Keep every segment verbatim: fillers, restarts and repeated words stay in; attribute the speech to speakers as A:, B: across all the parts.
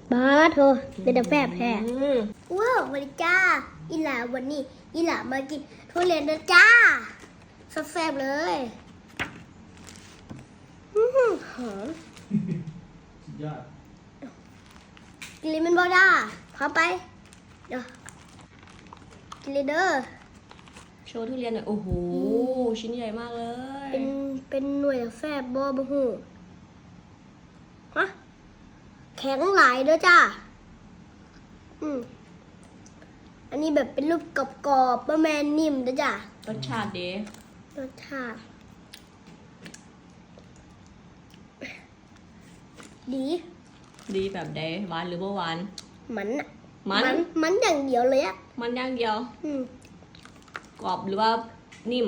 A: บ้าโธ่เป็นแต่แฝบแพ้ว้าววันนี้จ้าอีหล่าวันนี้อีหล่ามากินทุเรียนนะจ้าแซ่บๆเลยอื้อหือหอม
B: สุดยอด
A: กินเลยมันบอด้าพร้อมไปเดี๋ยวกินเลยเด้อ
C: โชว์ทุเรียนหน่อยโอ้โหชิ้นใหญ่มากเลย
A: เป็นเป็นหน่วยแฟบบอบะหูฮะแข็งหลายเด้อจ้าอืมอันนี้แบบเป็นรูปกรอบๆบะแมนนิ่มเด้อจ้าร
C: สชาติดี
A: รสชาติดี
C: ดีแบบใดหวานหรือบ่หวาน
A: มันอะ
C: มัน
A: มันอย่างเดียวเลยอะ
C: มันอย่างเดียว
A: อืม
C: กรอบหรือว่านิ่ม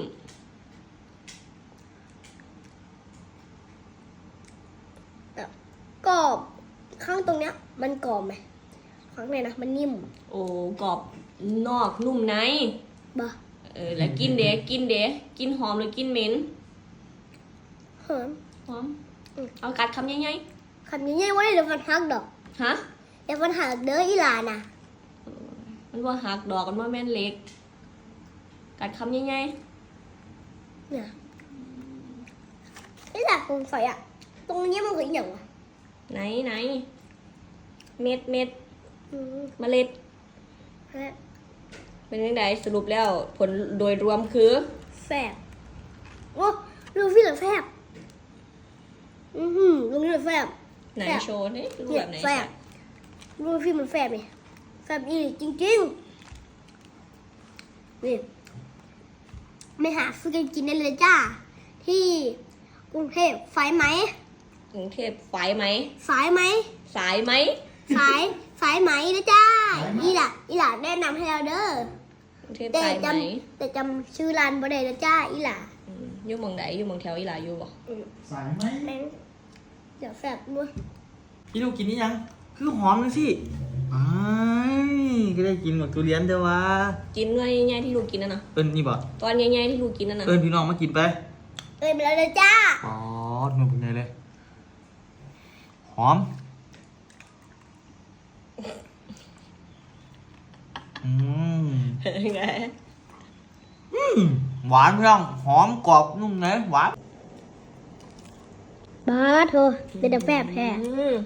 A: แบบกรอบข้างตรงเนี้ย มันกรอบไหมข้างในนะมันนิ่ม
C: โอ้กรอบนอกนุ่มใน
A: บ่
C: เออแล้วกินเด้กินเด้กินหอมหรือกินเหม็น
A: หอม
C: หอม
A: อืม
C: เอากัดคำใหญ่
A: คำนี้ไว้เดี๋ยวฟันหักดอก
C: ๆฮะ
A: เดี๋ยวฟันหักเด้ออีหลาน่ะ
C: มันว่าหักดอกกันว่าแม่นเล็ก กัดคำใหญ่
A: เนี่ยนี่แหละผมใส่อะตรงนี้มันคืออย่างวะ
C: ๆไหนไหนเม็ดเม็ด
A: อืม
C: เมล็ด
A: ฮะ
C: เป็นยังไงสรุปแล้วผลโดยรวมคือ
A: แฟบโอ้ลูฟี่เหลือแฟบอือหือลูฟี่เหลือแฟบ
C: ไหน
A: แซ่บ
C: โชว์นี่รูป
A: เนี่
C: แบ
A: ย
C: บไหน
A: แฟบลูฟี่มันแฟบนี่แฟบอีจริงๆนี่ไม่หาซื้อกันกินได้เลยจ้า ที่กรุงเทพไฟไหม
C: กรุงเทพสายไหม
A: สายไหม
C: สายไหม
A: สายสายไหมนะจ้าอีหล่ะอีหล่ะแนะนำให้เราเด้อก
C: รุงเทพ
A: แต่
C: สายไห
A: จ
C: ม
A: ำแต่จำชื่อร้านบ่ได้นะจ้าอีหล่ะ
C: อืมอยู่เมืองไหนอยู่เมืองแถวอีหลาอยู่บ่
A: อืม
B: สายไหม
A: แม่งเดี๋ยวแฟบด้วย
B: พี่ลูกกินนี่ยัง คือหอมเลยสิอ้ายก็ได้กินหมดทุเรียนเด้อวะ
C: กินด้วยง่ายๆที่ลูกกินนั่นนะ
B: เอิ้นนี่บ่
C: ตอนง่ายๆที่ลูกกินนั่นนะ
B: เอิ้นพี่น้องมากินไป
A: เอ้ยไปแล้วเลยจ้า
B: อ๋อหนูเป็นไงเลย หอม อืม
C: ไง
B: อืมหวานพี่น้อง หอมกรอบนุ่มเนยหวาน
A: บ้าโธ่เป็นแต่แฟบแพ้
C: อืม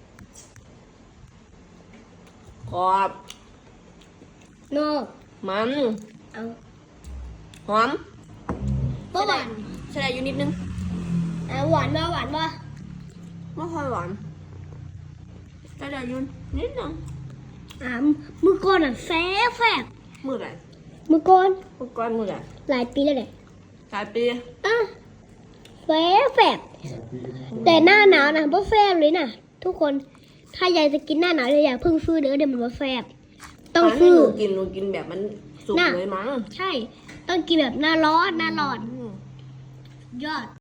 C: กรอบ
A: โน่
C: มัน
A: เอา
C: หอม
A: บ่หวาน
C: ใส่ได้อยู่นิดนึง
A: อ่ะหวานบ่หวานบ่
C: ไม่ค่อยหวานใส่ได้อยู่นิดนึง
A: อ่ะมือก่อนอ่ะแฟบแฟบ
C: มือไหน
A: มือก่อน
C: มือก้อนมือไหน
A: หลายปีแล้วเนี่ย
C: สายปี
A: อ่ะแฟบแฟบแต่หน้าหนาวนะบ่แฟบเลยนะทุกคนถ้ายายจะกินหน้าหนาวเลยอย่าเพิ่งซื้อเด้อเดี๋ยวมันบ่แฟบต้อง
C: ให้
A: ซื้อ
C: หนูกินหนูกินแบบมันสุก
A: น่ะ
C: เลยมั้ง
A: ใช่ ต้องกินแบบหน้าร้อนหน้าร้อน
C: อืม
A: ยอด